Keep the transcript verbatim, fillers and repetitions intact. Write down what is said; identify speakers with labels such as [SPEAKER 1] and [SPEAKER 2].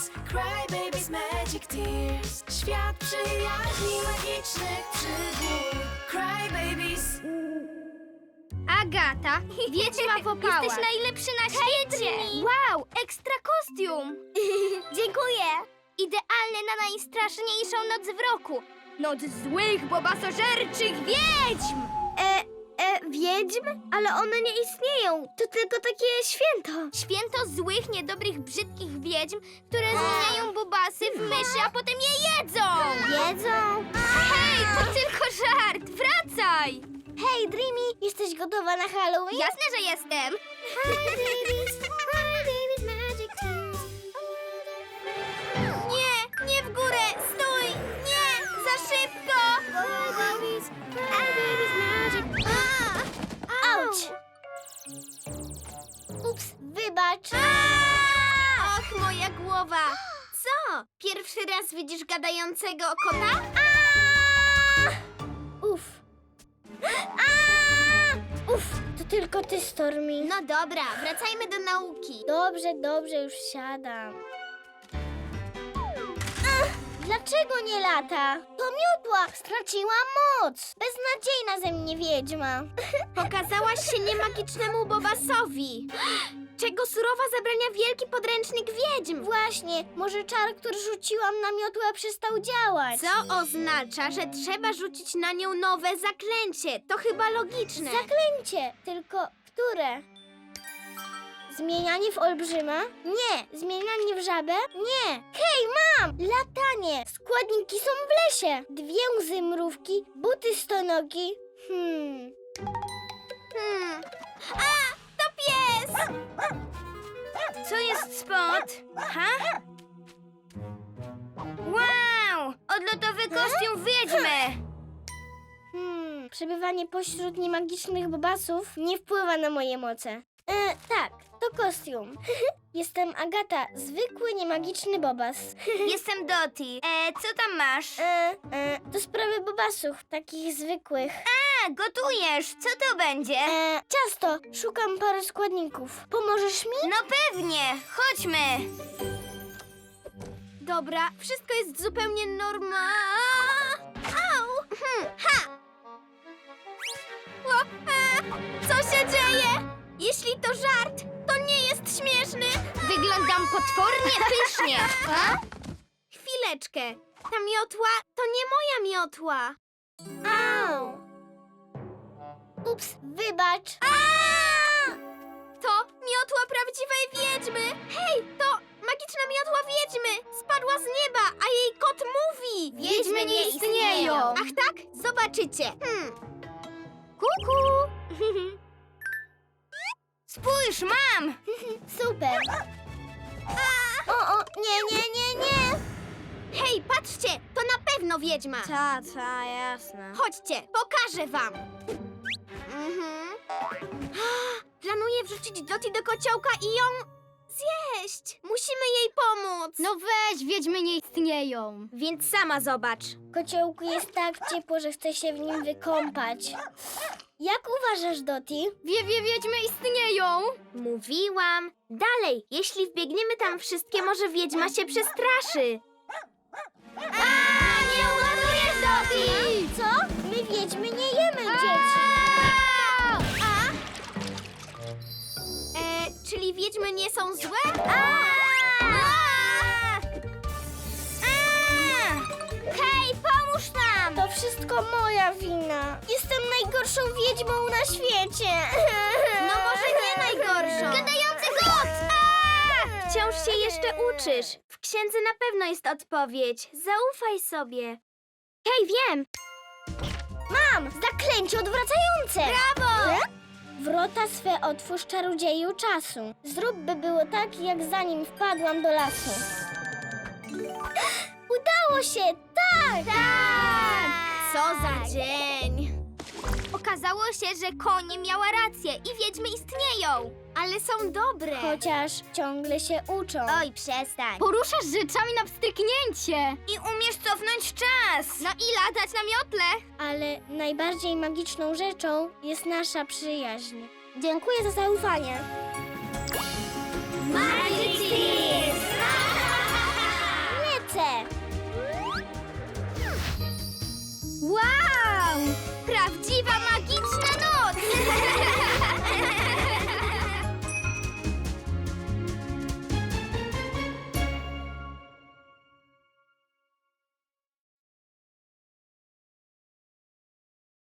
[SPEAKER 1] Babies, Cry Babies, Magic Tears. Świat przyjaźni, magicznych przygód. Cry Babies.
[SPEAKER 2] Agata, wiedźma w opałach.
[SPEAKER 3] Jesteś najlepszy na świecie!
[SPEAKER 2] Wow, ekstra kostium!
[SPEAKER 3] Dziękuję! Idealny na najstraszniejszą noc w roku.
[SPEAKER 2] Noc złych, bobasożerczych wiedźm!
[SPEAKER 3] E, e, wiedźm? Ale one nie istnieją. To tylko takie święto. Święto złych, niedobrych, brzydkich wiedźm, które zmieniają bobasy w myszy, a potem je jedzą. Jedzą?
[SPEAKER 2] Hej, to tylko żart! Wracaj!
[SPEAKER 3] Hej, Dreamy, jesteś gotowa na Halloween?
[SPEAKER 2] Jasne, że jestem!
[SPEAKER 3] Nie, nie w górę! Stój! Nie! Za szybko! Auć! Ups, wybacz! Och, moja głowa! Co? Pierwszy raz widzisz gadającego kota? Uff. Uff, to tylko ty, Stormy. No dobra, wracajmy do nauki. Dobrze, dobrze, już siadam. Ach, dlaczego nie lata? To miotła, straciła moc. Beznadziejna ze mnie wiedźma. Pokazałaś się niemagicznemu Bobasowi. Czego surowa zabrania wielki podręcznik wiedźm. Właśnie, może czar, który rzuciłam na miotłę, przestał działać. Co oznacza, że trzeba rzucić na nią nowe zaklęcie. To chyba logiczne. Zaklęcie, tylko które? Zmienianie w olbrzyma? Nie. Zmienianie w żabę? Nie. Hej, mam! Latanie. Składniki są w lesie. Dwie łzy mrówki, buty stonogi. Hmm. Hmm. A! To pies!
[SPEAKER 2] Co jest spod? Ha? Wow! Odlotowy kostium wiedźmy!
[SPEAKER 3] Hmm. Przebywanie pośród niemagicznych bobasów nie wpływa na moje moce. E, tak, to kostium. Jestem Agata, zwykły niemagiczny bobas.
[SPEAKER 2] Jestem Doti. E, co tam masz?
[SPEAKER 3] E, e, to sprawy bobasów, takich zwykłych.
[SPEAKER 2] A, gotujesz! Co to będzie?
[SPEAKER 3] E, ciasto, szukam parę składników. Pomożesz mi?
[SPEAKER 2] No pewnie! Chodźmy!
[SPEAKER 3] Dobra, wszystko jest zupełnie normalne. Au! Hmm, ha! O, e, co się dzieje? Jeśli to żart, to nie jest śmieszny.
[SPEAKER 2] Wyglądam potwornie pysznie! A?
[SPEAKER 3] Chwileczkę. Ta miotła to nie moja miotła. Au! Ups, wybacz. A! To miotła prawdziwej wiedźmy. Hej, to magiczna miotła wiedźmy. Spadła z nieba, a jej kot mówi.
[SPEAKER 2] Wiedźmy nie istnieją.
[SPEAKER 3] Ach tak? Zobaczycie. Hmm. Kuku.
[SPEAKER 2] Spójrz, mam!
[SPEAKER 3] Super. O, o, nie, nie, nie, nie. Hej, patrzcie, to na pewno wiedźma.
[SPEAKER 2] Ta, ta, jasne.
[SPEAKER 3] Chodźcie, pokażę wam. Mhm. Planuję wrzucić Doti do kociołka i ją zjeść. Musimy jej pomóc.
[SPEAKER 2] No weź, wiedźmy nie istnieją.
[SPEAKER 3] Więc sama zobacz. Kociołku jest tak ciepło, że chcę się w nim wykąpać. Jak uważasz, Doti?
[SPEAKER 2] Wie, wie, wiedźmy istnieją.
[SPEAKER 3] Mówiłam. Dalej, jeśli wbiegniemy tam wszystkie, może wiedźma się przestraszy. A, nie ulatujesz, Doti! Co? My wiedźmy nie jemy dzieci. A? E, czyli wiedźmy nie są złe? A! A! Hej, pomóż nam! To wszystko moja wina. Jestem najgorszą wiedźmą na świecie. No może nie najgorszą. Gadający kot! A! Wciąż się jeszcze uczysz. W księdze na pewno jest odpowiedź. Zaufaj sobie. Hej, wiem! Mam! Zaklęcie odwracające! Brawo! Wrota swe otwórz, czarodzieju czasu. Zrób, by było tak, jak zanim wpadłam do lasu. Udało się! Tak! Tak! Co za dzień! Okazało się, że konie miała rację i wiedźmy istnieją. Ale są dobre. Chociaż ciągle się uczą. Oj, przestań.
[SPEAKER 2] Poruszasz rzeczami na wstryknięcie.
[SPEAKER 3] I umiesz cofnąć czas.
[SPEAKER 2] No i latać na miotle.
[SPEAKER 3] Ale najbardziej magiczną rzeczą jest nasza przyjaźń. Dziękuję za zaufanie. Magic Tears!